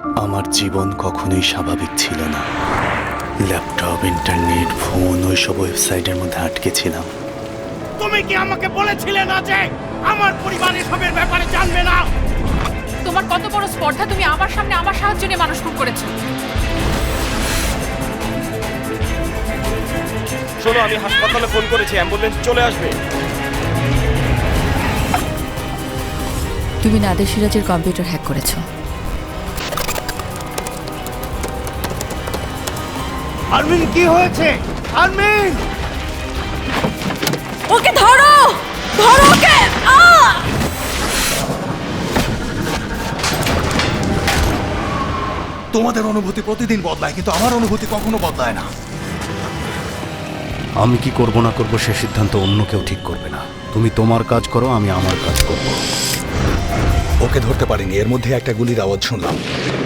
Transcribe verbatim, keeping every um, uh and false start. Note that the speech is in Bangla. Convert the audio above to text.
আমার জীবন কখনোই স্বাভাবিক ছিল না। ল্যাপটপ, ইন্টারনেট, ফোন, ওইসব ওয়েবসাইটের মধ্যে আটকে ছিলাম। তুমি কি আমাকে বলেছিলে না যে আমার পরিবার এসবের ব্যাপারে জানবে না? তোমার কত বড় স্পর্ধা, তুমি আমার সামনে আমার সাহায্য নিয়ে মানুষ খুন করেছো। শোনো, আমি হাসপাতালে ফোন করেছি, অ্যাম্বুলেন্স চলে আসবে। তুমি নাদের সিরাজের কম্পিউটার হ্যাক করেছো। আরমিন, কি হয়েছে? আরমিন, ওকে ধরো, ধরো ওকে। তোমাদের অনুভূতি প্রতিদিন বদলায়, কিন্তু আমার অনুভূতি কখনো বদলায় না। আমি কি করব না করব সে সিদ্ধান্ত অন্য কেউ ঠিক করবে না। তুমি তোমার কাজ করো, আমি আমার কাজ করব। ওকে ধরতে পারিনি, এর মধ্যে একটা গুলির আওয়াজ শুনলাম।